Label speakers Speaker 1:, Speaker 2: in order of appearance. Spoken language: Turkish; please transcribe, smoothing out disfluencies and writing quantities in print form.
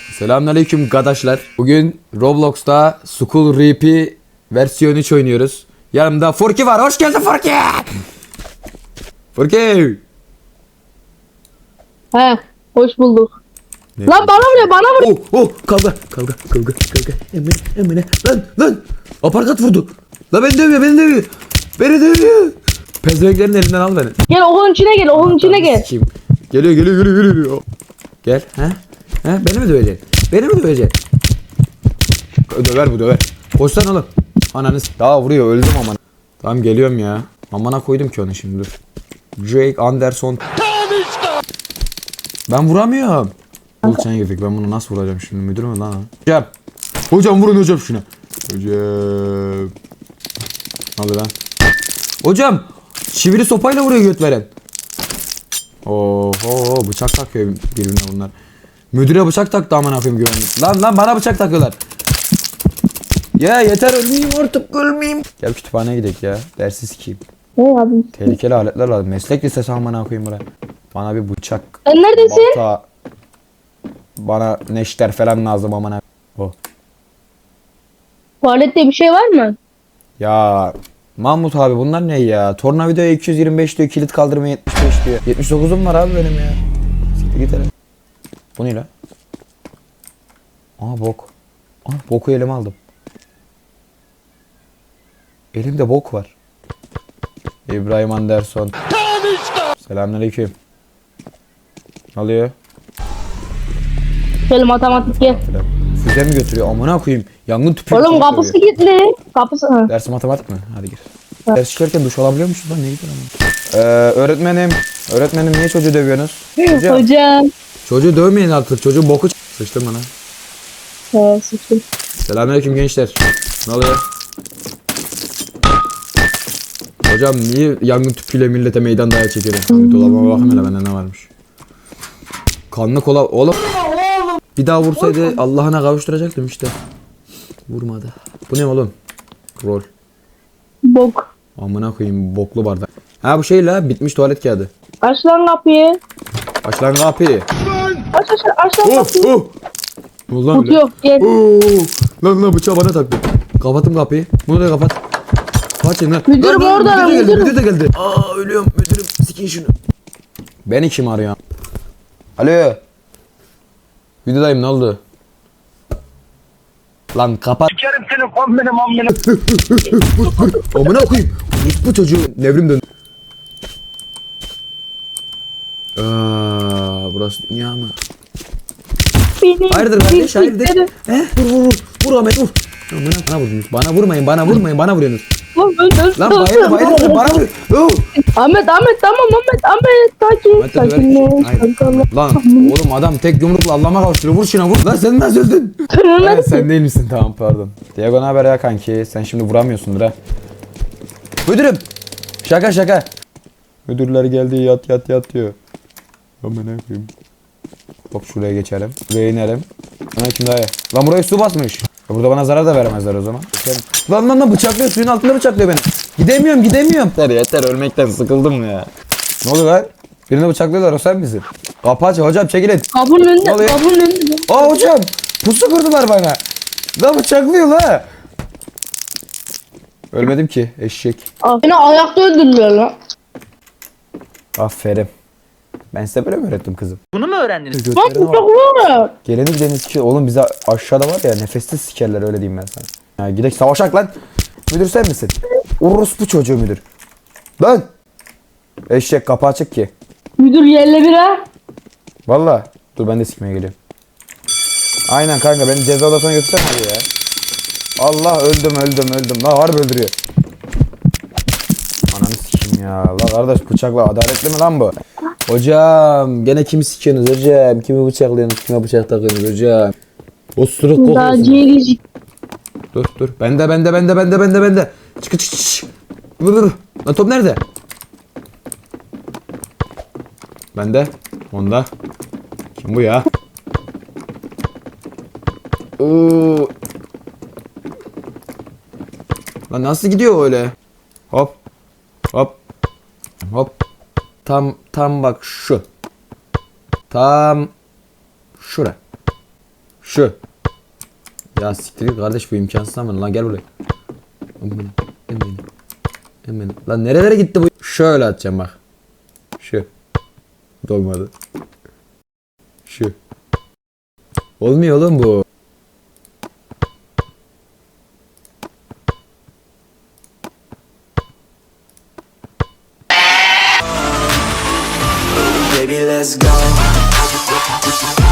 Speaker 1: Selamünaleyküm arkadaşlar. Bugün Roblox'ta School RP versiyon 3 oynuyoruz. Yanımda Furki var. Hoş geldin Furki. Furki.
Speaker 2: He, hoş bulduk.
Speaker 1: Ne?
Speaker 2: Lan bana vuruyor, bana vuruyor.
Speaker 1: Kavga. Emine. Lan. Aparkat vurdu. Lan beni dövüyor. Beni dövüyor. Pezevenklerin elinden al beni.
Speaker 2: Gel okulun içine gel, okulun içine gel.
Speaker 1: Sikeyim. Geliyor. Gel. He? Beni mi döveceksin? Döver. Koşsana oğlum. Ananı daha vuruyor, öldüm aman. Tamam geliyorum ya. Amana koydum ki onu şimdi dur. Drake Anderson. Ben vuramıyorum. Bulçan girdik, ben bunu nasıl vuracağım şimdi, müdür mü lan? Hocam vurun hocam şuna. Hocam. Hadi lan. Hocam. Çivili sopayla vuruyor göt veren. Oho, bıçak takıyor birbirine bunlar. Müdüre bıçak taktı amına koyayım güvenlik. Lan bana bıçak takıyorlar. Ya yeter, ölmeyeyim. Gel kütüphaneye gidelim ya. Dersi sikeyim.
Speaker 2: Ne abi?
Speaker 1: Tehlikeli aletler lazım. Meslek lisesi amına koyayım buraya. Bana bir bıçak.
Speaker 2: Sen neredesin?
Speaker 1: Balta. Bana neşter falan lazım amına. Oh.
Speaker 2: Tuvalette bir şey var mı?
Speaker 1: Ya Mahmut abi bunlar ne ya? Tornavidoya 225 diyor, kilit kaldırma 75 diyor. 79'um var abi benim ya. Siktir git hele. Bu ne lan? Aa bok. Boku elime aldım. Elimde bok var. İbrahim Anderson. Selamünaleyküm. Ne oluyor?
Speaker 2: Şöyle matematik gel.
Speaker 1: Füze mi götürüyor? Amına koyayım. Yangın tüpü.
Speaker 2: Oğlum kapısı kilitli. Kapısı. Ha.
Speaker 1: Dersi matematik mi? Hadi gir. Ders çıkarken duş alabiliyor musun lan? Ne gidiyor ama? Öğretmenim niye çocuğu dövüyorsunuz?
Speaker 2: Hocam.
Speaker 1: Çocuğu dövmeyin artık. Çocuğun boku sıçtım bana.
Speaker 2: He, sıçtım.
Speaker 1: Selamünaleyküm gençler. Ne oluyor? Hocam niye yangın tüpüyle millete meydan dayağı çekiyorum? Dolabıma bakayım hele bende ne varmış. Kanlı kola oğlum. Bir daha vursaydı Allah'ına kavuşturacaktım işte. Vurmadı. Bu ne oğlum? Rol.
Speaker 2: Bok.
Speaker 1: Amına koyayım boklu bardak. Ha bu şey la, bitmiş tuvalet kağıdı.
Speaker 2: Aç lan kapıyı.
Speaker 1: Aç lan kapıyı.
Speaker 2: Aç lan kapıyı.
Speaker 1: Ulan
Speaker 2: Kut yok, gel.
Speaker 1: Lan bıçağı bana taktı. Kapattım kapıyı. Bunu da kapat. Kaçın lan.
Speaker 2: Müdürüm
Speaker 1: Lan,
Speaker 2: orada,
Speaker 1: müdür de geldi. Aa ölüyorum müdürüm. Sikin şunu. Beni kim arıyor? Alo. Videodayım, ne oldu? Lan kapat.
Speaker 3: Sikerim seni kombini mombini.
Speaker 1: Amına koyayım. Bu çocuğu devrim döndü. Burası dünya mı?
Speaker 2: Benim
Speaker 1: Hayırdır kardeş, hayırdır?
Speaker 2: bildiklerim.
Speaker 1: Vur Ahmet vur. Amına bana vurdunuz. Bana vurmayın, bana vuruyorsunuz.
Speaker 2: Lan
Speaker 1: Lan bayıldı bana vuruyor.
Speaker 2: Ahmet sakin.
Speaker 1: Lan oğlum adam tek yumrukla Allah'ıma kavuşturuyor. Vur şuna vur. Lan sen nasıl öldün? Evet, sen değil misin? Tamam pardon. Diego ne haber ya kanki? Sen şimdi vuramıyorsundur ha. Müdürüm. Şaka. Müdürler geldi, yat diyor. Aman ne yapayım? Hop şuraya geçelim. Buraya inelim. Ana kim daha iyi? Lan buraya su basmış. Burada bana zarar da veremezler o zaman. Lan bıçaklıyor, suyun altında bıçaklıyor beni. Gidemiyorum. Yeter ölmekten sıkıldım ya. Ne oluyor lan? Birini bıçaklıyorlar, o sen misin? Kapı aç hocam, çekilin.
Speaker 2: Kapının
Speaker 1: Ne oluyor?
Speaker 2: önünde.
Speaker 1: Aa hocam pusu kurdular bana. Lan bıçaklıyor la. Ölmedim ki eşek.
Speaker 2: Beni ayakta öldürüyor lan.
Speaker 1: Aferin. Ben size böyle mi öğrettim kızım?
Speaker 3: Bunu mu öğrendiniz?
Speaker 2: Bak bu çok var.
Speaker 1: Geleni gideni sikiyor. Oğlum bize aşağıda var ya, nefessiz sikerler, öyle diyeyim ben sana. Ya gidek savaşak lan. Müdür sen misin? Orospu çocuğu müdür. Lan. Eşek kapı açık ki.
Speaker 2: Müdür yerle bir ha.
Speaker 1: Valla. Dur ben de sikmeye geliyorum. Aynen kanka, beni ceza odasına götürsene hadi ya. Allah öldüm. La harbi öldürüyor. Ananı sikeyim ya. La kardeş bıçakla adaletli mi lan bu? Hocam gene kimi sikiyorsunuz hocam? Kimi bıçaklıyorsunuz? Kime bıçak takıyorsunuz hocam? Osuruk
Speaker 2: Daha
Speaker 1: kokuyorsun.
Speaker 2: ciğerici.
Speaker 1: Dur. Bende. Çık. Dur. Lan top nerede? Bende. Onda. Kim bu ya? Lan nasıl gidiyor öyle? Hop. Tam bak şu. Tam şura. Şu. Ya siktir git kardeş, bu imkansız ama lan, gel buraya. Hemen. Lan nerelere gitti bu? Şöyle atacağım bak. Şu. Dolmadı. Şu. Olmuyor oğlum bu.
Speaker 4: Baby, let's go.